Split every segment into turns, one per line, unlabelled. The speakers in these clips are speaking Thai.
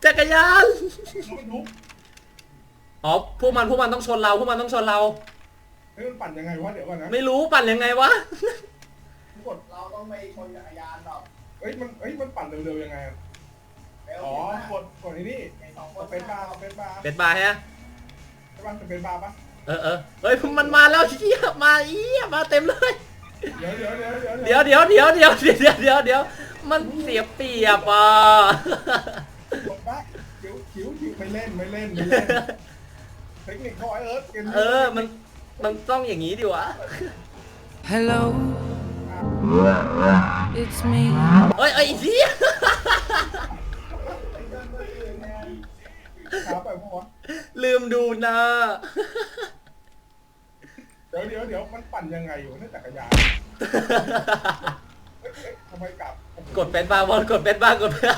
จักรยาน
รถบรรทุก
อ๋อพวกมันต้องชนเราพวกมันต้องชนเรา
เฮ้ยมันปั่นยังไงวะเดี๋ยวก่อนนะ
ไม่รู้ปั่นยังไงวะ
กด
เราต้องไปชนจักรยานหรอก
มันปั่นเร็วๆยังไงอะ
เร็ว
อ๋อกดไอ้นี่
ไอ้สองคน
เป็นบาร์เป็นบาร์
เป็นบาร์ฮะ
ใช่ป่ะเป็นบาร์ปะ
เฮ้ยมันมาแล้วเหี้ยมามาเต็มเลย
เดี๋ยว
เดี๋ยวมันเสียเปรียบอ่ะ
กดได้คิ้วไม่เล่นเทคนิคเขาไอ้เกมนี้
มันต้องอย่างนี้ดิวะ
Hello, it's me.
เอ้ยไอ้เหี้ย
ขาไปพวก
ลืมดูนะ
เดี๋ยวมันปั่นยังไงอยู่นั่นจักรยานทำไมกลับ
กดเป็นบาร์บอลกดเป็นบาร์กดเป็นบาร์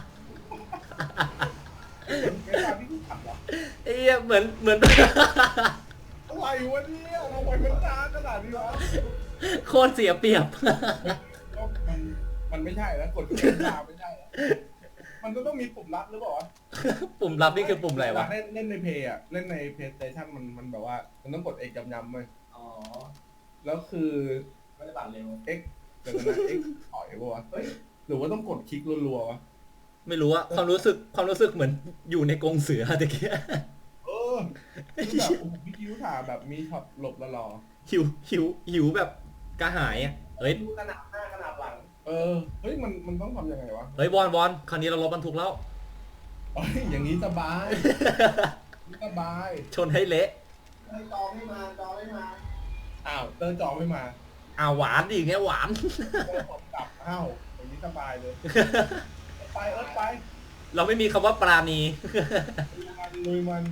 เป็นบาร์ที่ขับเหรอ
ไอ้เหี้ยเหมือน
อะไรวะเนี่ยทำไมมันช้าขนาดนี้วะ
โคตรเสียเปรียบ
ก็มันไม่ใช่แล้วกดเป็นบาร์ไม่ใช่แล้วมันก็ต้องมีปุ่มลัดหรือเปล่าวะ
ปุ่มลับนี่คือปุ่มอะไรวะ
เล่นในเพย์อะเล่นในเพย์สเตชันมันแบบว่ามันต้องกดเอกย้ำๆเลย
อ๋อ
แล้วคือ
ไม่ได้ปั่นเร็ว
X เดี๋ยวนะ X ถอยป่ะวะเฮ้ยหรือว่าต้องกดคลิกรัวๆวะ
ไม่รู้อะความรู้สึกเหมือนอยู่ในกรงเสือตะเกีย
คือแบบโอ้โหพี่คิ้วถ่าแบบมีช็อตหลบละรอ
หิวแบบกระหายอะเฮ้ย
ดูขนาดหน้าขนาดหลัง
เฮ้ยมันต้องทำยังไงวะ
เฮ้ยบอลคราวนี้เรารถบรรทุกแล้ว
เฮ้ยอย่างนี้สบายสบาย
ชนให้เละ
ให้จองไม่มาจองไม่มา
อ้าวเตอร์จองไม่มา
หวานดิเงี้ยหวาน
เตอร์ผมกลับอ้าวอย่างนี้สบายเลยไปไป
เราไม่มีคำว่าปราณี
ลุยมัน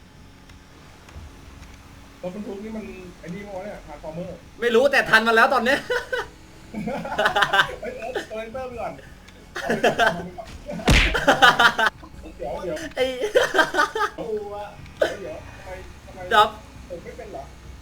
รถบรรทุกนี่มันไอ้นี่มั้งเนี่ยทาร์ฟอร์เมอร์
ไม่รู้แต่ทันมาแล้วตอนเนี้ย
เฮ้ยเตอร์ไปก่อนเดี๋ยว
ไอ้
ดูว่า
เดี๋ยวทำไม
ดับ
ผมไม่เป็นเหรอ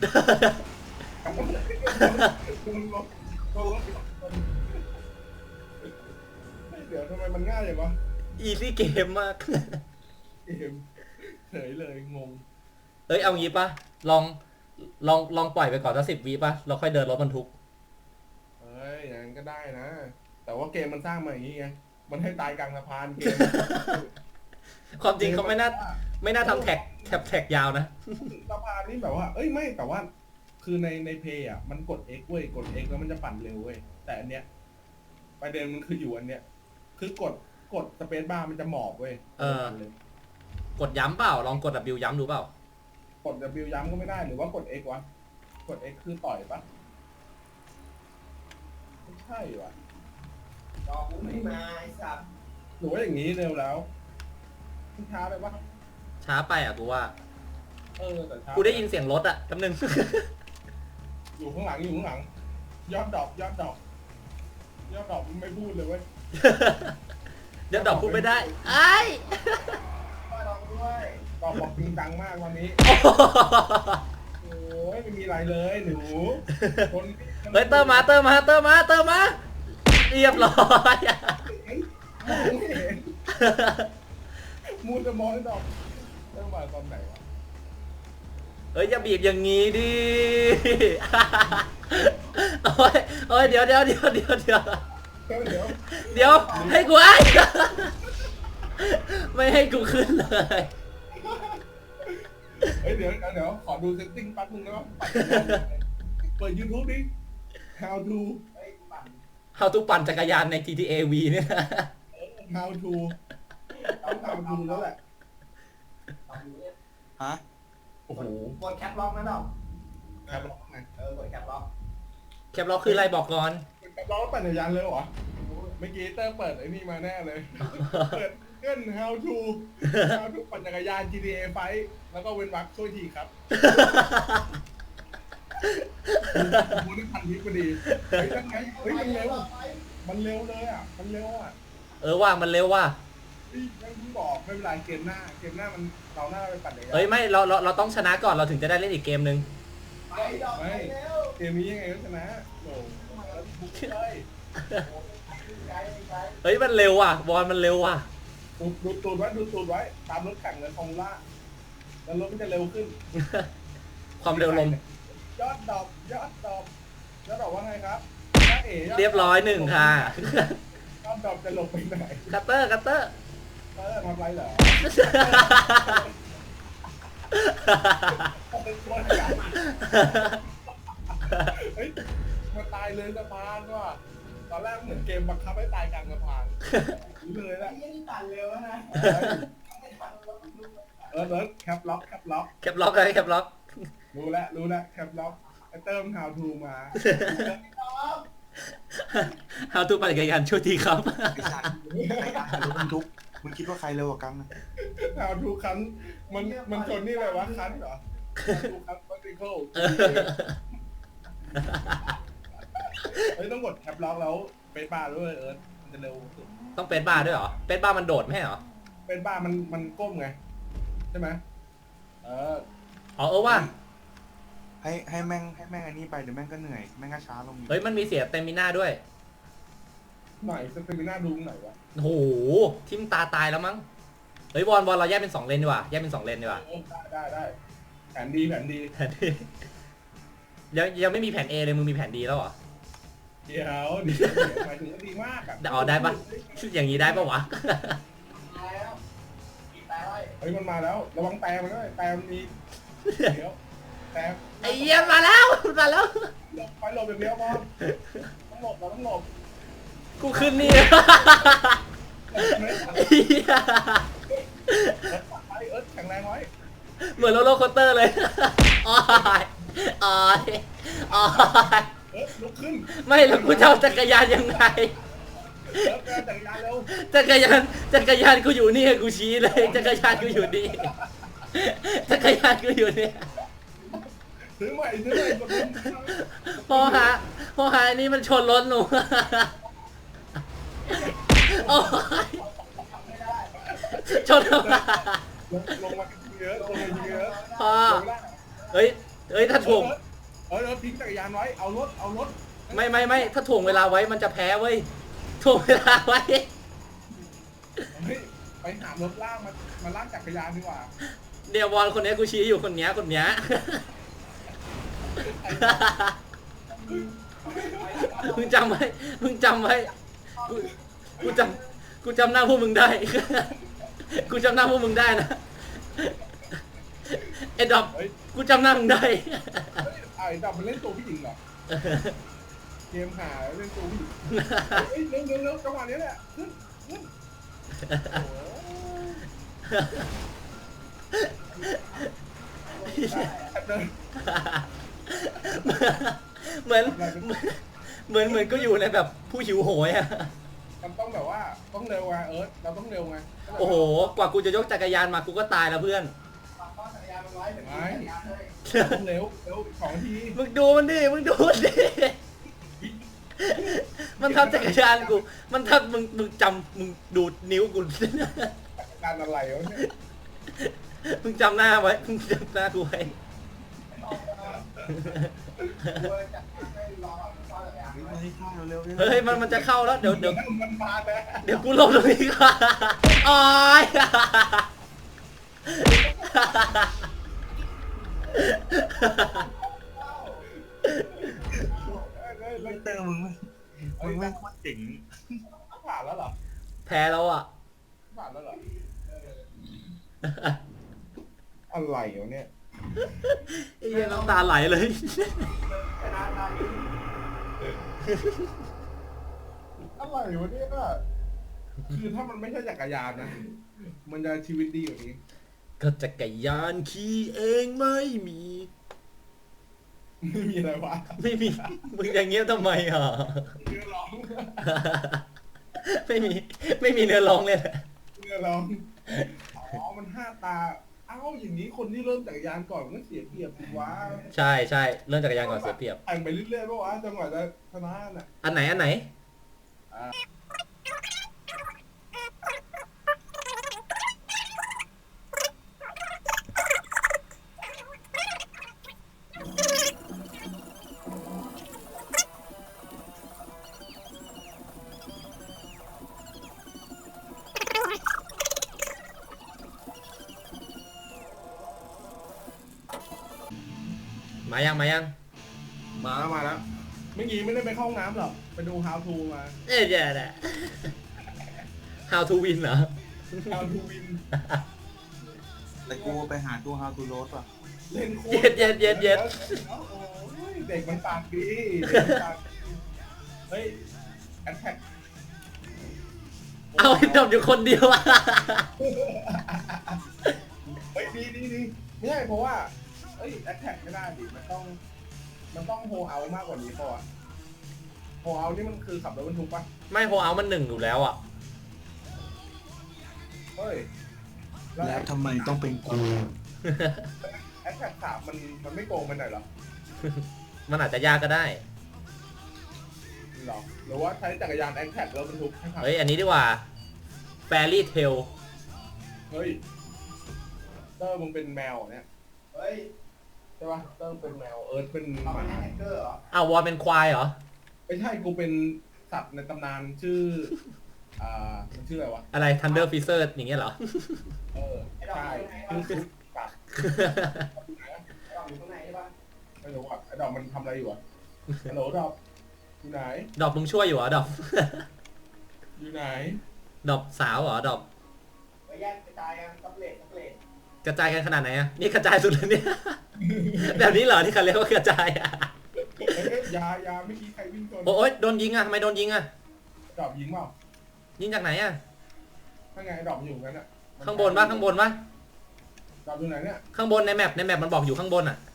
เดี๋ยวทำไมมันง่ายอย่างวะ
อีซี่เกมมาก
เกมเฉยเลยงง
เอ้ยเอางี้ปะลองปล่อยไปก่อนสัก10 วิปะเราค่อยเดินรถบรรทุก
เฮ้ยอย่างนั้นก็ได้นะ แต่ว่าเกมมันสร้างมาอย่างนี้ไงมันให้ตายกลางสะพานเกม
ความจริงเขาไม่น่าทำแท็กยาวนะ
สะพานนี่แบบว่าเอ้ยไม่แต่ว่าคือในเพย์อ่ะมันกด X เว้ยกด X แล้วมันจะปั่นเร็วเว้ยแต่อันเนี้ยประเด็นมันคืออยู่อันเนี้ยคือกดสเปซบาร์มันจะหมอบเว้ย
กดย้ำเปล่าลองกด W ย้ำดูเปล่าก
ด W ย้ำก็ไม่ได้หรือว่ากด X วะกด X คือต่อยปะไม่ใช่วะ
จองกูไม่มาไอ้สัตว์
หรือว่าอย่างนี้เร็วแล้วช้าไปปะ
ช้าไปอ่ะกูว่า
แต่ช้า
กูได้ยินเสียงรถอ่ะแป๊บนึง
อยู่ข้างหลังยอดดอกไม่พูดเลยเว้ย
เดี๋ยวดอกพูดไม่ได้ไอ้
ก็ลองด้วย
ดอกบอกจริงจังมากวันนี้โอ้ยไม่มีอะไรเลยหนูคน
เฮ้ยเติมมาเรียบร้อย
มองไม่เห็นมูจะมองให้ดอกเริ่มมาตอนไหนวะ
เฮ้ยอย่าบีบอย่างงี้ดิ โอ้ยเดี๋ยวให้กูไอ้ ไม่ให้กูขึ้นเลย
เฮ้ยเดี๋ยวขอดูเซตติ้งแป๊บนึงนะเปิด YouTube ดิ how to
เฮ้ยกูปั่น
How to ปั่นจักรยานใน GTA V เนี่ย
how to ต้อง how to แล้วแหละ
ลองดูเนี่ย
ฮะ
โอ้โห
กดแคปล็อกนะดอก
ครับไง
กดแคปล็อก
แคปล็อกคืออะไรบอกก่อน
เราปั่นจักรยานเลยเหรอเมื่อกี้เต้เปิดไอ้นี่มาแน่เลยเปิดเกิน how to ปั่นจักรยาน GTA ไฟแล้วก็เว้นวรรคช่วยทีครับมูนี่พันทิปพอดีเฮ้ยยังไงเฮ้ยมันเร็วเลยอ่ะมันเร็วอ่ะ
ว่ามันเร็วว่ะ
ยังเพิ่งบอกไม่เป็นไรเกมหน้ามันเราหน้าไปปั่นจักรยาน
เฮ้ยไม่เราต้องชนะก่อนเราถึงจะได้เล่นอีกเกมนึง
ไปดอกไปเร็ว
เกมนี้ยังไงก็ชนะโหบุกเลย
ไกล
เฮ้ยมันเร็วว่ะบอลมันเร็วว่ะ
โกดูตูดไว้ดูตูดไว้ตามรถแข่งเลยฟอร์มูล่าแล้วรถมันจะเร็วขึ้น
ความเร็วลม
ยอดดอกว่าไงครับน้าเอ๋
เรียบร้อยหนึ่งค่ะ
ยอดดอกจะลงไปไหน
คัตเตอร์คัตเตอร์
ทำไรเหรอเฮ้ยมาตายเลยสะพานว่ะตอนแรกเหมือนเกมบังคับให้ตายกลางสะพานรู้เลยแหละ
ไอ้ยี่นี่ตันเร็วนะ ไม่ทันแล้วลูก
แคปล็อก
แคปล็อกเลยแคปล็อก
รู้แล้วแคปล็อกไอเติม how to มา
How to ปั่นจักรยานช่วยทีครับ
ไอ้สัตว์ไอ้การรถบรรทุกมึงคิดว่าใครเร็วกว่ากันนะ
how to คันมันชนนี่เลยวะคันเหรอ how to คัน particle เฮ้ยต้องกดแคปล็อกแล้วเป็นบ้าด้วยมันจะเร็วสุด
ต้องเป็นบ้าด้วยเหรอ เป็นบ้ามันโดดไม่ใช่เหรอ
เป็นบ้ามันก้มไงใช่ไหมเออ
อ๋อว่า
ให้แม่งอันนี้ไปเดี๋ยวแม่งก็เหนื่อยแม่งก็ช้าลงอีก
เฮ้ยมันมีเสียเตมิน่าด้วย
หน่อยสเตมิน่าดูหน่อยวะ
โอ้โหทิมตาตายแล้วมั้ง เฮ้ยวอนเราแยกเป็น2 เลนดีกว่า แยกเป็น2 เลนดีกว่า
ได้แผนดี
แผนดียังไม่มีแผน A เลยมึงมีแผนดีแล้วเหรอ
เดี๋ยวหมายถึงว่าดีมากอ่ะ
อ๋อได้ปะอย่างนี้ได้ปะวะ
ตายแล้วอีกตายไว้
เฮ้ยมันมาแล้วระวังแต่มันด้วยแต่มันมีเดี๋ยวแต่
ไอ้เหี้ยมาแล้ว
ไปหลบอย่างเดียวพอต้องหลบเราต้องหลบ
กูขึ้นนี่ ไอ้เหี้ย
ไปแข็งแรงไว้
เหมือนโรลเลอร์โคสเตอร์เลยอ้อยอ้อยอ้อย
ลุกขึ้น
ไม่แล้วกูจะเอาจักรยานยังไง
แกจักรยานเร็ว
จักรยานกูอยู่นี่กูชี้เลยจักรยานกูอยู่นี่จักรยานกูอยู่นี่
ซื้อใหม่กดลง
พอหาอันนี้มันชนรถหนูโอ้ยชนทำไม
ลงมาเยอะลงมาเยอะ
พอเฮ้ยถ้าถ่วง
ทิ้งจักรยานไว้เอารถ
ไม่ถ้าถ่วงเวลาไว้มันจะแพ้เว้ยถ่วงเวลาไว้
เฮ้ยไปหารถลากมาลากจักรยานดีกว่า
เดี๋ยวบอลคนนี้กูชี้อยู่คนเนี้ยมึงจำไว้กูจำหน้าพวกมึงได้ กูจำหน้าพวกมึงได้นะไอ้ดอกกูจำหน้ามึงได้
ไอ้ดับมันเล่นตัวผู้หญิงเหรอเกมหาเล่นตัวผู้หญิงเร็วจังหวะนี้แหละขึ้น
เหมือนก็อยู่ในแบบผู้หิวโหยอะ
มันต้องแบบว่าต้องเร็วไงเราต้องเร็วไง
โอ้โหกว่ากูจะยกจักรยานมากูก็ตายแล้วเพื่อน
ปักก้อนจักรยานมันไว้เดี๋ยวมีจักรยานเลย
ต้องเร็ว2 ที
มึงดูมันดิมันทับจักรยานกูมันทับมึงจำมึงดูนิ้วกู
การอะไรวะเนี่ย
มึงจำหน้าไว้มึงจำหน้ากูไว้
ให้ข้าวเร็ว
เฮ้ยมันจะเข้าแล้วเดี๋ยว
มันมาแล้ว
เดี๋ยวกูลงตรงนี้ก่อนอ้อย
ไม่เตอร์มึงไม่โคตรเจ๋ง
ผ่านแล้วเหรอ
แพ้แล้วอ่ะ
ผ่านแล้วเหรออะไรวะเนี่ย
ไอ้เหี้ยน้ำตาไหลเลย
อะไรวะเนี่ยคือถ้ามันไม่ใช่จักรยานนะมันจะชีวิตดีกว่านี้
ก็จักรยานขี่เองไม่มี
ไม่มีอะไรวะ
ไม่มีมึงอย่างเงี้ยทำไมอ่ะ
เนื้อร้อง
ไม่มีเนื้อร้องเลยนะ
เนื้อร้องอ๋อมัน5 ตาเอ้าอย่างนี้คนที่เริ่มจักรยานก่อนมันก็เสียเปรียบสิวะ
ใช่เรื่องจักรยานก่อนเสียเปรียบ
แข่งไปเรื่อยๆป่าวะจังหวะจะชนะน่ะ
อันไหนมายังมายัง
มาแล้วเมื่อกี้ไม่ได้ไปเข้าห้องน้ำหรอกไปดู how to มา
เอ๊ะเดี๋ยวนะ How to win เหรอ
how to win
แต่กูไปหาตัว how to load ว่ะ
เล่นโคตร
เย็ด
โอ้ยเด็กมันปากดีเด็กมันปากดีเฮ้ยแอทแทก
เอาไอ้ดอกอยู่คนเดียวอะ
เฮ้ยดีไม่ใช่เพราะว่าเอ้ยแอทแทกไม่ได้ดิมันต้องโฮเอามากกว่านี้ป่ะโฮเอานี่มันคือขับรถบรรทุกปะ
ไม่โฮเอามันหนึ่งอยู่แล้วอะ
เฮ้ย
แล้วทำไมต้องเป็นกู
แอทแทก3มันไม่โกงไปหน่อยเหรอ
มันอาจจะยากก็ได้
หรอหรือว่าใช้จักรยานแอทแทกแล้วบรรทุกให้ขับ
เฮ้ย อันนี้ดีกว่า Fairy Tail
เฮ้ยเตอร์มึงเป็นแมวเหรอเนี่ย
เฮ้ย
ใช่ปะเตอร์เป็นแมวเอิร์ธเป็นห
เอาไป
มา
แฮกเกอร์เหรอ
อ้าววอลเป็นควายเหรอ
ไม่ใช่กูเป็นสัตว์ในตำนานชื่อมันชื่ออะไรวะ
อะไร Thunder Freezer อย่างเงี้ยเหรอ
เออใช่ชื่อซุปกัด
ไอ้ดอกอยู่ตรงไหนใช่ปะ
ไม่รู้อ่ะไอ้ดอกมันทำอะไรอยู่อ่ะฮัลโหลดอกอยู่ไหน
ดอกมึงช่วยอยู่เหรอ ดอก
อยู่ไหน
ดอกสาวเหรอ ดอก
ไปแยกกระจายกันซับเลท
กระจายกันขนาดไหนอะนี่กระจายสุดเลยเนี่ย แบบนี้เหรอที่เขาเรียกว่ากระจายอะ
เอ้ยยาไม่คิดใครวิ่งชน
โอ๊ยโดนยิงอะทำไมโดนยิงอะ
ดอกยิงเปล่า
ยิงจากไหนอะ
ถ้าไงดอกมันอยู่งั้นอ่ะ
ข้างบนปะข้างบนปะ
ดอกอยู่ไหนเนี่ย
ข้างบนในแมปมันบอกอยู่ข้างบนอะ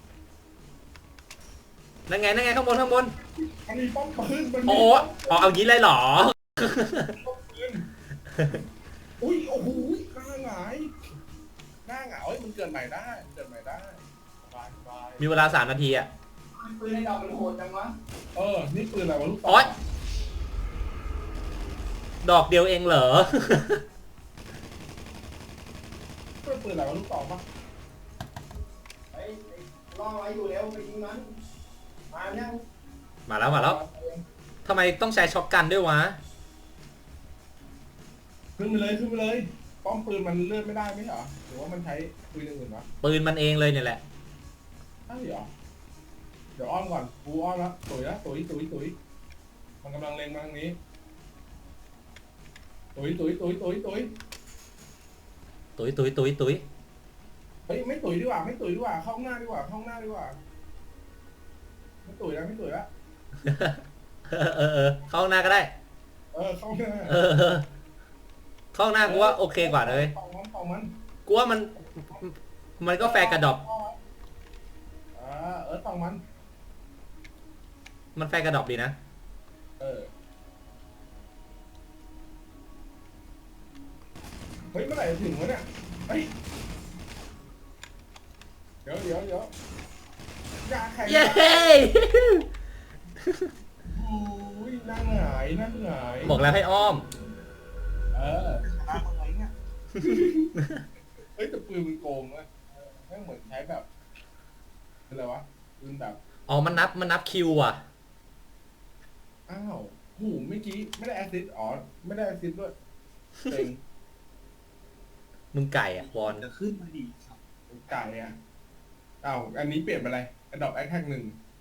นั่นไงข้างบน
มันมีป้อมปืนมันมี
โอ้โหอ๋อเอางี้เลยเหรอ
ป้อมปืนอุ้ยโอ้โหหน้าหงายเอ้ยมันเกิดใหม่ได้สบาย
มีเวลา3 นาทีอะ
ปืนไอ้ดอกมันโหดจังวะ
นี่ปืนอะไรวะลูก
โอ๊ย ดอกเดียวเองเหรอ
ปืนอะไรวะลูกต่อปะ
ไอ้ล่อไว้อยู่แล้วไปยิงมันมายัง
มาแล้วทำไมต้องใช้ช็อตกันด้วยวะ
ขึ้นไปเลยป้อมปืนมันเลื่อนไม่ได้ไหมเหรอหรือว่ามันใช้ปืนอย่างอื่นวะ
ปืนมันเองเลยเนี่ยแหละ
ใช่เหรอเดี๋ยวอ้อมก่อนกูอ้อมแล้วตุ๋ยมันกำลังเล็งมาทางนี้ตุ๋ย
ตุย
เฮ้ยไม่ตุ๋ยดีกว่าเข้าข้างหน้าดีกว่าไม่ตุ๋ยแล้ว
เข้าห้องหน้าก็ได้
เข้าหน้า
เข้าห้องหน้ากูว่าโอเคกว่าเลย
ต่อมัน
กูว่ามันก็แฟร์กับดอก
ต่อมัน
มันแฟร์กับดอกดีนะ
เฮ้ยเมื่อไหร่จะถึงวะเนี่ยเฮ้ยเดี๋ยวยาแข็ง
เย้
อุ้ยนั่งหงาย
บอกแล้วให้อ้อม
ชนะมึงไงเนี่ย
เฮ้ยแต่ปืนมันโกงนะแม่งเหมือนใช้แบบอะไรวะปืนแบบ
อ๋อ มันนับคิวอ่ะ
อ้าวหูเมื่อกี้ไม่ได้แอสซิสต์ไม่ได้แอสซิสต์ด้วยเต็ง
มึงไก่อ่ะวอน
จะขึ้นมาดีครับ
ไก่อ่ะอ้าวอันนี้เปลี่ยนเป็นอะไรอดอบแอคแท็ก1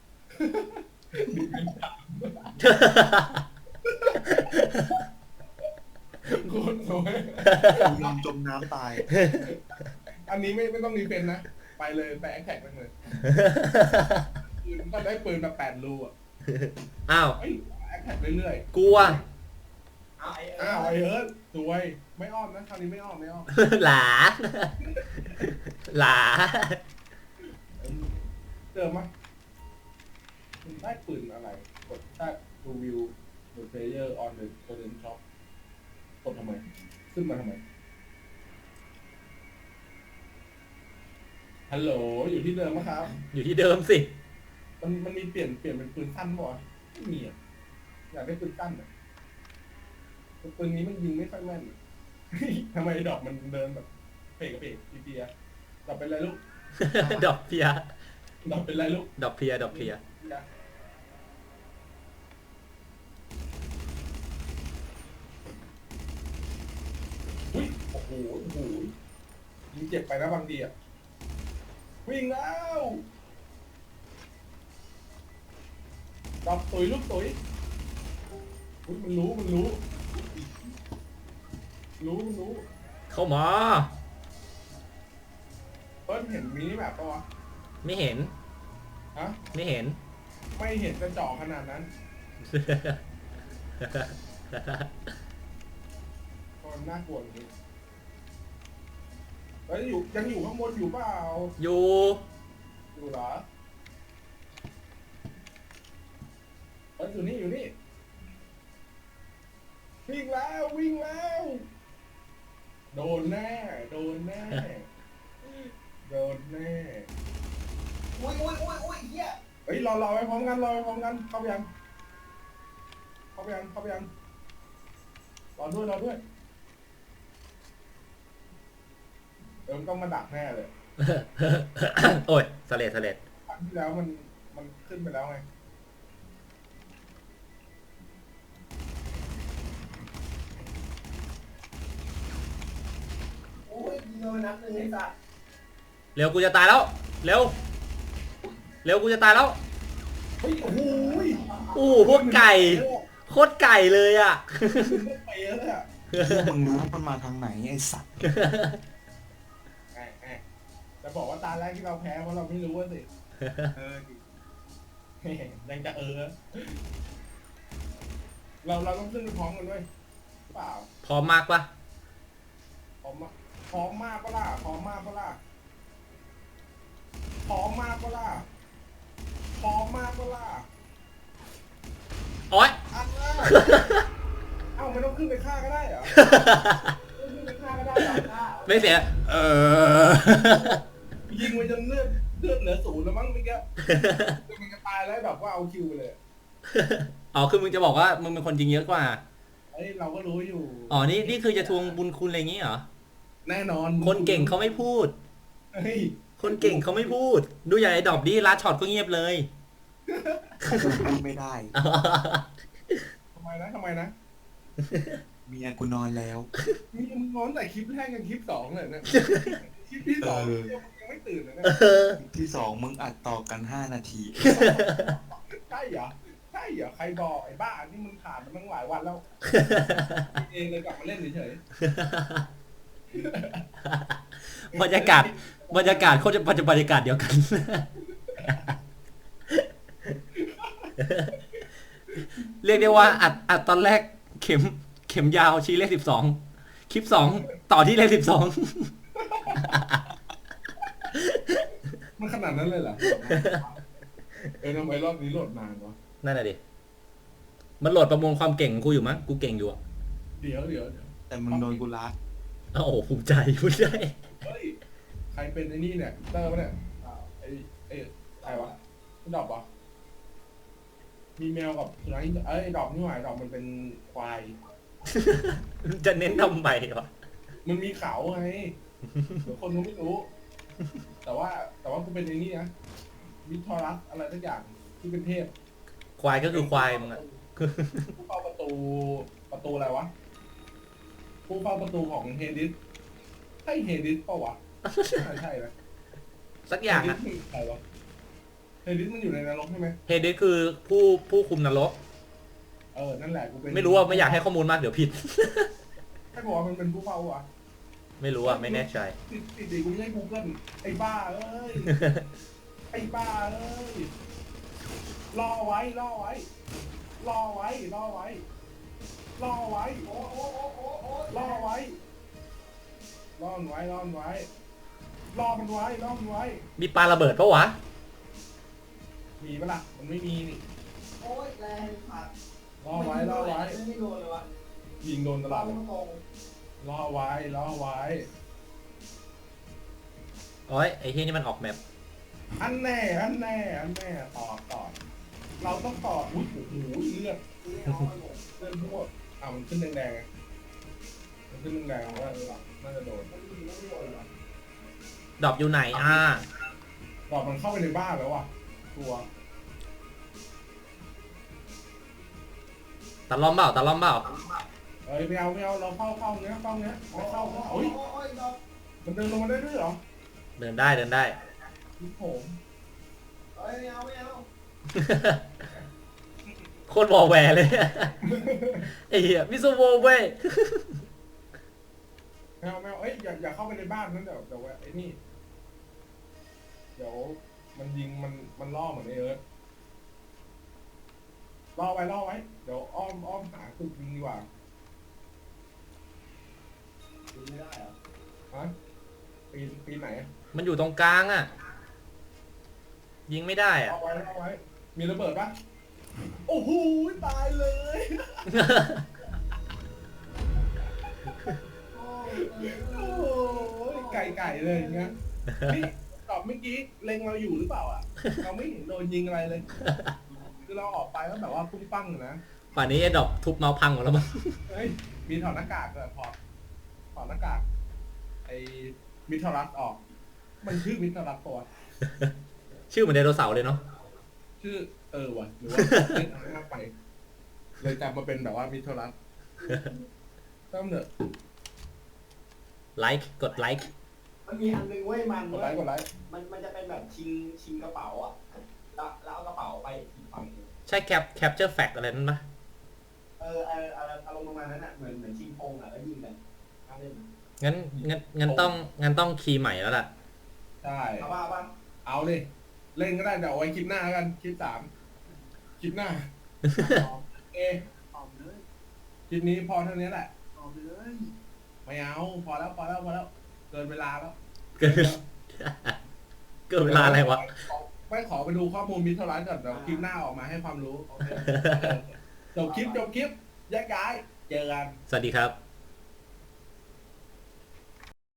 โคตรสวย
กูยอมจมน้ำตาย
อันนี้ไม่ต้องรีเฟนนะไปเลยไปแอคแท็กมันเลยปืนก็ได้ปืนแบบ8 รูอ่ะ
อ้าว
เฮ้ยแอคแท็กเรื่อย
กูอ่ะ
เอาไอ้
ๆอ้าวไอเอิร์ธสวยไม่อ้อมนะคราวนี้ไม่อ้อม
หลา หลา
เจอมั้ยมันได้ปืนอะไรกดแท็กดูวิว the player on the current shop กดทำไมขึ้นมาทำไมฮัลโหลอยู่ที่เดิมไหมครับ
อยู่ที่เดิมสิ
มันมีเปลี่ยนเป็นปืนสั้นป่ะไม่มีอ่ะอยากได้ปืนสั้นอ่ะปืนนี้มันยิงไม่ค่อยแม่น ทำไมดอกมันเดินแบบเพกเปียดอกเป็นไรลูก
ดอกเพีย
ดอกเป็นไรลูก
ดอกเพีย
อุ้ยโอ้โหยิงเจ็บไปนะบางทีอ่ะวิ่งแล้วดอกตุ๋ยลูกตุ๋ยอุ๊ยมันรู้มันรู้
เข้ามา
เพิ่นเห็นมินิแบบปะวะ
ไม่เห็น
ฮะ
ไม่เห็น
ไม่เห็นจะเจาะขนาดนั้นมันน่ากลัวจริงแล้วยังอยู่ข้างบนอยู่เปล่า
อยู่
อยู่เหรออยู่นี่วิ่งแล้วโดนแน่
อุ้ยเฮีย
เฮ้ยรอไปพร้อมกันเข้าไปยังรอด้วยมันต้องมาดักแน่เลย
โอ้ยสะเลด
ครั้งที่แล้วมันขึ้นไปแล้วไง
โอ้ยยิงมานัดหนึ่งไอ้สัตว์
เร็วกูจะตายแล้วเร็วกูจะตายแล้ว
เฮ้ยโอ้โห
พวกไก่โคตรไก่เลยอ่ะ
ไปเยอะเลยอ่ะ
มึงรู้ว่ามันมาทางไหนไอ้สัตว์
จะบอกว่าตาแรกที่เราแพ้เพราะเราไม่รู้ว่าสิ ยังจะเราต้องขึ้นไปพร้อมกันด้วยเปล่า
พร้อมมากปะ
พร้อมมากปะล่ะ
โอ๊ย
เอ้าไม่ต้องขึ้นไปฆ่าก็ได้เหรอ ขึ้นไปฆ่าก็ได้เหรอ
ไม่เสีย
ยิงมันจนเลือดเหลือ0แล้วมั้งเมื่อกี้มันจะตายแล้วแบบว่าเอาคิวไปเลย
อ๋อคือมึงจะบอกว่ามึงเป็นคนจริงเยอะกว่า
เฮ้ยเราก็รู้อยู่
อ๋อนี่คือจะทวงบุญคุณอะไรอย่างงี้เหรอ
แน่นอน
คนเก่งเขาไม่พูด
เฮ้ย
คนเก่งเขาไม่พูด ดูอย่างไอ้ดอบดิลัดช็อตก็เงียบเลย
พูดไม่ได้
ทำไมนะ
เมียกูนอนแล้ว
มีมึงงอนแต่คลิปแรกกับคลิป2เลยเนี่ยคลิปที่2ยังไม่ตื่นเลยนะ
ที่สองมึงอัดต่อกัน5 นาที
ใช่เหรอใครบอกไอ้บ้านี่มึงผ่านมันตั้งหลายวันแล้วเองเลยกลับมาเล่นเฉย
บรรยากาศโคตรบรรยากาศเดียวกัน เรียกได้ว่าอัดตอนแรกเข็มยาวชี้เลข12คลิป2ต่อที่เลข12
มันขนาดนั้นเลยเหรอทำไมรอบนี้โหลดนานวะ
นั่นแหละดิมันโหลดประมวลความเก่งของกูอยู่มั้งกูเก่งอยู่อ่ะ
เดี๋ยว
แต่มึงโดนกูลัด
โอ้โหภูมิใจ
เฮ้ยใครเป็นไอ้นี่เนี่ยเตอร์ปะเนี่ยไอ้ใครวะดอกปะมีแมวกับสุนัขไอ้ดอกนี่หว่าดอกมันเป็นควาย
จะเน้นทำไมวะ
มันมีเขาไงเดี๋ยวคนเขาไม่รู้ แต่ว่ากูเป็นไอ้นี่นะวิทอรัสอะไรสักอย่างที่เป็นเทพ
ควายก็คือควายมึงอะ
ผู้เฝ้าประตูอะไรวะผู้เฝ้าประตูของเฮดิสใช่เฮดิสเปล่าวะใช่นะ
สักอย่างอะ
เฮดิสใครวะเฮดิสมันอยู่ในนรกใช่ไหม
เฮเดสคือผู้คุมนรก
นั่นแหละกูเป็น
ไม่รู้ว่าไม่อยากให้ข้อมูลมากเดี๋ยวผิด
ให้บอกว่ามันเป็นผู้เฝ้าวะ
ไม่รู้อ่ะไม่แน่ใจ
ติดกูไม่ใช่ Google ไอ้บ้าเอ้ยรอไว้โอ้รอไว้รอมันไว้
มีปลาระเบิดปะวะ
มีปะล่ะมันไม่มีนี่
โอ้ยแรงผัด
รอไว้
ไม่โดนเลยวะ
ยิงโดนตลอดเลย
ตรง
รอไว้
โอ้ยไอ้เฮียนี่มันออกแมป
อันแน่ต่อเราต้องต่ออุ้ยโอ้โหเลือดพวกมันขึ้นแดงๆไงมันขึ้นแดงๆว่าน่าจะโดน
ดอบอยู่ไหนอ่ะ
ต่อมันเข้าไปในบ้านแล้วว่ะตัว
ตะล่อมเปล่า
ไม่เอาเราเข้าเนี้ยไม่เข้าเฮ้ย
โอ้ยดอก
มันเดินลงมาได้ด้วยเหรอ
เดินได้
พี่ผม
เฮ้ยไม่เอา
โคตรวอลแวร์เลยไอ้เหี้ยมิสโวเว้ย
แมวเอ้ยอย่าเข้าไปในบ้านนั้นเดี๋ยวไอ้นี่เดี๋ยวมันยิงมันล่อเหมือนไอ้เอิร์ธล่อไว้เดี๋ยวอ้อมหาจุดยิงดีกว่า
ยิงไม่ได้เหรอ
ฮะปีนไหนอะ
มันอยู่ตรงกลางอ่ะ ยิงไม่ได้อ่ะ
ล่อไว้มีระเบิดปะโอ้โหตายเลย
โอ้
โอ้โหไก่เลยอย่างเงี้ยนี่ตอบเมื่อกี้เล็งเราอยู่หรือเปล่าอ่ะ เราไม่เห็นโดนยิงอะไรเลย คือเราออกไปแล้วแบบว่าปุ้งปั้งนะ
ป่านนี้ไอ้ดอกทุบเมาส์พังหมดแล้วมั้ง
เฮ้ยมีถอดหน้ากากเลยถอดหน้ากากไอ้มิทรัสออก มันชื่อมิทรัสตัว
ชื่อเหมือนไดโนเสาร์เลยเนาะ
ชื่อว่ะหรือว่าเล่นอะไรมากไป เลยจำมาเป็นแบบว่ามิทรัสต้องเนอะ
ไลค์กดไลค์
มันมีอันนึงเว้ยมัน
กดไลค์
มันจะเป็นแบบชิงกระเป๋าอ่ะแล้วเอากระเป๋าไปอีกฝั่งหนึ่ง
ใช่แคปเจอร์แฟกอะไรนั่นปะ
อารมณ์ประมาณนั้นอ่ะเหมือนชิงพงอ่ะแล้วยิงกันทำเล่น
งั้นต้องคีย์ใหม่แล้วล่ะ
ใช่
เอาป่ะ
เอาดิเล่นก็ได้เดี๋ยวเอาไว้คลิปหน้ากันคลิป 3คลิปหน้า เอ
ออกเลย
คลิปนี้พอเท่านี้แหละ
ออกเลย
ไม่เอาพอแล้วเกินเวลาแล้ว
เกิดเวลาอะไรวะ
ไม่ขอไปดูข้อมูลมิทรัสก่อนเดี๋ยวคลิปหน้าออกมาให้ความรู้
โอเค
จบคลิปแยกย้ายเจอกัน
สวัสดีครับ